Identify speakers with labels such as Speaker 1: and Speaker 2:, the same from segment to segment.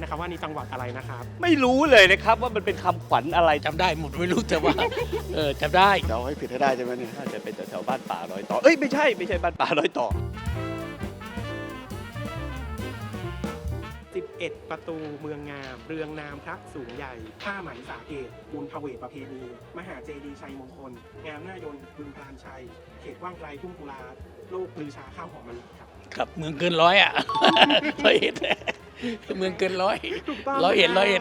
Speaker 1: นะครับว่านี่จังหวัดอะไรนะครับ
Speaker 2: ไม่รู้เลยนะครับว่ามันเป็นคำขวัญอะไร
Speaker 3: จำได้หมดไม่รู้แต่ว่า จำได้
Speaker 4: เราให้ผิดให้ได้ใช่ไหมเนี่ย
Speaker 2: น่าจะเป็นแถวๆบ้านป่าร้อยต่อเอ้ยไม่ใช่บ้านป่าร้อยต่อ
Speaker 1: 11 ประตูเมืองงาม เรืองนามพระสูงใหญ่ ผ้าไหมสาเกตบุญพเวทประเพณี มหาเจดีย์ชัยมงคล งามหน้ายนต์บึงพลานชัย เขตว่างไกลทุ่งกุลาโลกลือชาข้าวหอมมะลิครับ
Speaker 3: ครับเมืองเกินร้อยอ่ะ ร้อยเอ็ดเมืองเกินร้อย
Speaker 1: ถูกต้อง
Speaker 3: ร้อยเอ็ด
Speaker 1: คบ
Speaker 3: ร้อยเอ็ด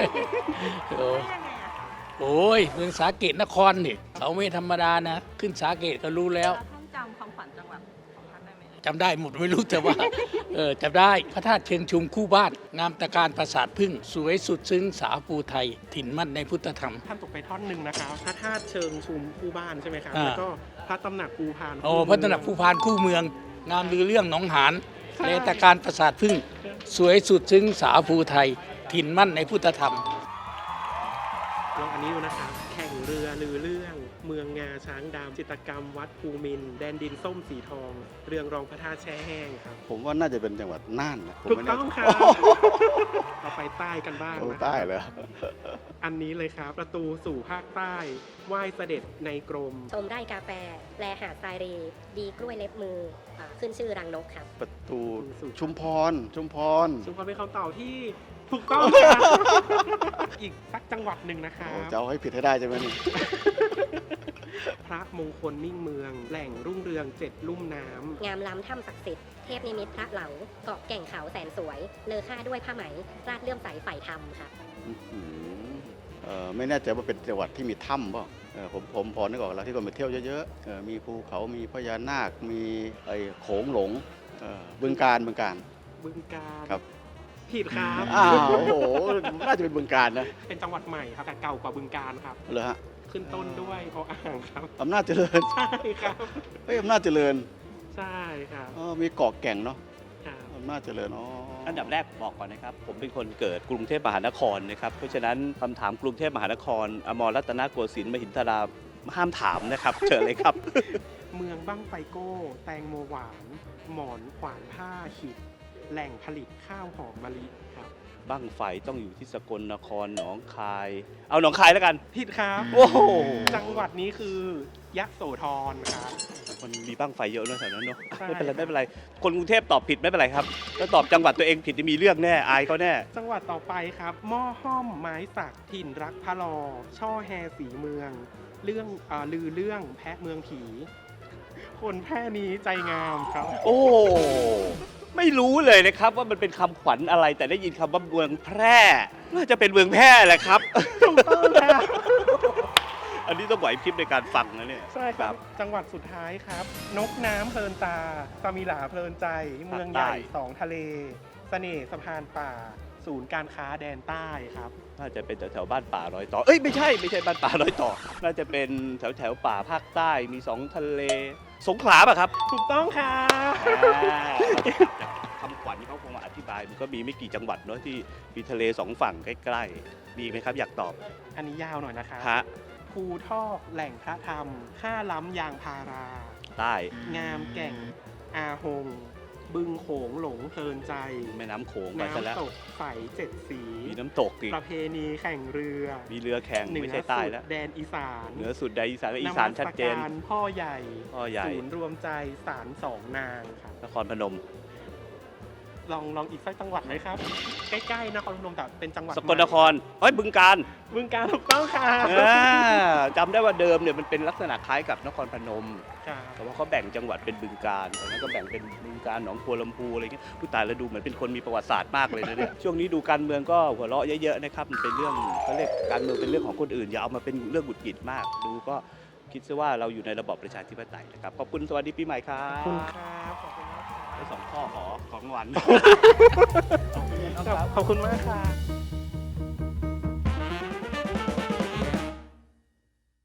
Speaker 3: โอ้ยเมืองสาเกตนครนี่เขาไม่ธรรมดานะ ขึ้นสาเกตก็รู้แล้ว
Speaker 5: ท่านจำคำขวัญจังหวัดของท่านได้ไหม
Speaker 3: จำได้หมดไม่รู้แต่ว่า จำได้พระธาตุเชิงชุมคู่บ้าน งามตะการปราสาทพึ่ง สวยสุดซึ้งสาภูไทย ถิ่นมั่นในพุทธธรรม
Speaker 1: ท่านตกไปท่อนหนึ่งนะครับพระธาตุเชิงชุมคู่บ้านใช่ไหมครับ
Speaker 3: อ่า
Speaker 1: แล้วก็พระตำหนักภูพาน
Speaker 3: โอ้พระตำหนักภูพานคู่เมือง งามลือเรื่องหนองหานเลตะการปราสาทพึ่ง สวยสุดซึ้งสาภูไทย ถิ่นมั่นในพุทธธรรม
Speaker 1: ลองอันนี้ดูนะครับ แข่งเรือลือเรื่อง เมืองงาช้างดำจิตรกรรมวัดภูมินทร์แดนดินส้มสีทอง เรืองรองพระธาตุแช่แห้งครับ
Speaker 4: ผมว่าน่าจะเป็นจังหวัดน่านนะผม
Speaker 1: ถูก
Speaker 4: ไม่
Speaker 1: ต้
Speaker 4: แน่
Speaker 1: อง
Speaker 4: ใจ
Speaker 1: ครับ เราไปใต้กันบ้าง
Speaker 4: โอ้
Speaker 1: นะ
Speaker 4: ใต้เลย
Speaker 1: อันนี้เลยครับ ประตูสู่ภาคใต้ ไหว้เสด็จในกรม
Speaker 6: ชมไร่กาแฟ แลหาดทรายเร ดีกล้วยเล็บมือขึ้นชื่อรังนกครับ
Speaker 4: ประตู
Speaker 1: สู่
Speaker 4: ชุมพร
Speaker 1: ชุมพรเป็นคำตอบที่ถูกต้องครับ อีกสักจังหวัดหนึ่งนะครั
Speaker 4: โอ้
Speaker 1: บ
Speaker 4: จะเอาให้ผิดให้ได้ใช่ไหมเนี่ย
Speaker 1: พระมงคลมิ่งเมือง แหล่งรุ่งเรืองเจ็ดลุ่มน้ำ
Speaker 6: งามล้ำถ้ำศักดิ์สิทธิ์ เทพนิมิตรพระเหลา เกาะแก่งเขาแสนสวย เลอค่าด้วยผ้าไหม ราดเลื่อมใสฝ่ายธรรมครับ
Speaker 4: อื้อหือไม่แน่ใจว่าเป็นจังหวัดที่มีถ้ำเปล่าผมพอนึกออกแล้วที่คนไปเที่ยวเยอะๆมีภูเขามีพญานาคมีไอ้โขงหลงบึงกาฬ
Speaker 1: บึงการ
Speaker 4: ครับ
Speaker 1: ผิดครับ
Speaker 4: อ้าวโอ้โหน่าจะเป็นบึงกาฬนะ
Speaker 1: เป็นจังหวัดใหม่ครับแต่เก่ากว่าบึงการครับ
Speaker 4: เหรอฮะ
Speaker 1: ขึ้นต้นด้วยออ่างครับ
Speaker 4: อำนาจเจริญ
Speaker 1: ใช่ครับ
Speaker 4: เฮ้ยอำนาจเจริญ
Speaker 1: ใช่ครับ
Speaker 4: มีเกาะแก่งเนาะ
Speaker 1: ครับ
Speaker 4: อำนาจเจริญ
Speaker 2: อันดับแรกบอกก่อนนะครับ ผมเป็นคนเกิดกรุงเทพมหานครนะครับ เพราะฉะนั้นคำถามกรุงเทพมหานคร อมรรัตนโกสินทร์มหินทราห้ามถามนะครับ เชิญเลยครับ
Speaker 1: เมืองบ้างไฟโก้ แตงโมหวาน หมอนขวานผ้าขิด แหล่งผลิตข้าวหอมมะลิครับ
Speaker 2: บั้งไฟต้องอยู่ที่สกลนครหนองคาย เอาหนองคายแล้วกัน
Speaker 1: ผิดครับ
Speaker 2: โอ้โห
Speaker 1: จังหวัดนี้คือยะโสธรครับ
Speaker 2: มันมีบั้งไฟเยอะเนอะแถวนั้นเนอะ
Speaker 1: ใช่
Speaker 2: ไม่เป็นไรคนกรุงเทพตอบผิดไม่เป็นไรครับถ้าตอบจังหวัดตัวเองผิดจะมีเรื่องแน่อายเขาแน่
Speaker 1: จังหวัดต่อไปครับหม้อห้อมไม้สักถิ่นรักพะลอ ช่อแฮสีเมือง เรื่องลือเรื่องแพะเมืองผี คนแพร่นี้ใจงามครับ
Speaker 2: โอ้ไม่รู้เลยนะครับว่ามันเป็นคำขวัญอะไรแต่ได้ยินคำว่าเมืองแพร่น่าจะเป็นเมืองแพร่แหละครับ
Speaker 1: ถูกต้องครับ
Speaker 2: อันนี้ต้องไหวพริบในการฟังนะเนี่ย
Speaker 1: ใช่ครับ จังหวัดสุดท้ายครับ นกน้ำเพลินตาสมิหลาเพลินใจ เมืองใหญ่สองทะเล เสน่ห์สะพานป่า ศูนย์การค้าแดนใต้ครับ
Speaker 2: น่าจะเป็นแถวๆบ้านป่าร้อยต่อเอ้ยไม่ใช่บ้านป่าร้อยต่อ น่าจะเป็นแถวป่าภาคใต้มีสองทะเล สงขลาป่ะครับ
Speaker 1: ถูกต้องครับ
Speaker 2: คำขวัญเขาคงมาอธิบายมันก็มีไม่กี่จังหวัดเนาะที่มีทะเลสองฝั่งใกล้ๆมีไหมครับอยากตอบ
Speaker 1: อันนี้ยาวหน่อยนะครับ
Speaker 2: ฮะ
Speaker 1: ภูทอกแหล่งพระธรรมข้าล้ำยางพารา
Speaker 2: ใต้
Speaker 1: งามแก่ง อาหง บึงโขงหลงเพลินใจ
Speaker 2: แม่น้ำโขงไปซะแล้ว
Speaker 1: น้ำตกใสเจ็ดสี
Speaker 2: มีน้ำตกอีก
Speaker 1: ประเพณีแข่งเรือ
Speaker 2: มีเรือแข่ง
Speaker 1: เหนื
Speaker 2: ไม่
Speaker 1: อ
Speaker 2: ใช่ใต้
Speaker 1: สุด
Speaker 2: แล้ว
Speaker 1: แดนอีสาน
Speaker 2: เหนือสุดใดอีสานอีสานชัดเจน
Speaker 1: มัสการพ่อใหญ่
Speaker 2: พ่อใหญ่
Speaker 1: ศูนย์รวมใจศาลสองนางครับ
Speaker 2: นครพนม
Speaker 1: ลองอีกสักจังหวัดไหมครับ ใกล้ๆนครพนมแต่เป็นจังหวัด
Speaker 2: สกลนครเอ้ยบึงการ
Speaker 1: บึงการถูกต้องค่ะ
Speaker 2: จำได้ว่าเดิมเนี่ยมันเป็นลักษณะคล้ายกับนครพนม
Speaker 1: ครับ
Speaker 2: แต่ว่าเขาแบ่งจังหวัดเป็นบึงการตอนนั้นก็แบ่งเป็นบึงการหนองบัวลำพูอะไรเงี้ยผู้ตายแล้วดูเหมือนเป็นคนมีประวัติศาสตร์มากเลยนะเนี่ย ช่วงนี้ดูการเมืองก็หัวเราะเยอะๆนะครับมันเป็นเรื่องเขาเรียกการเมืองเป็นเรื่องของคนอื่นอย่าเอามาเป็นเรื่องหงุดหงิดมาก ดูก็คิดซะว่าเราอยู่ในระบอบประชาธิปไตยนะครับขอบคุณสวัสดีปีใหม่ครั
Speaker 1: ข
Speaker 2: บ
Speaker 1: อบคุณครับขอบคุณมากครับ
Speaker 2: ได้สองข้อขอของรางวัล
Speaker 1: ขอบคุณมากครับ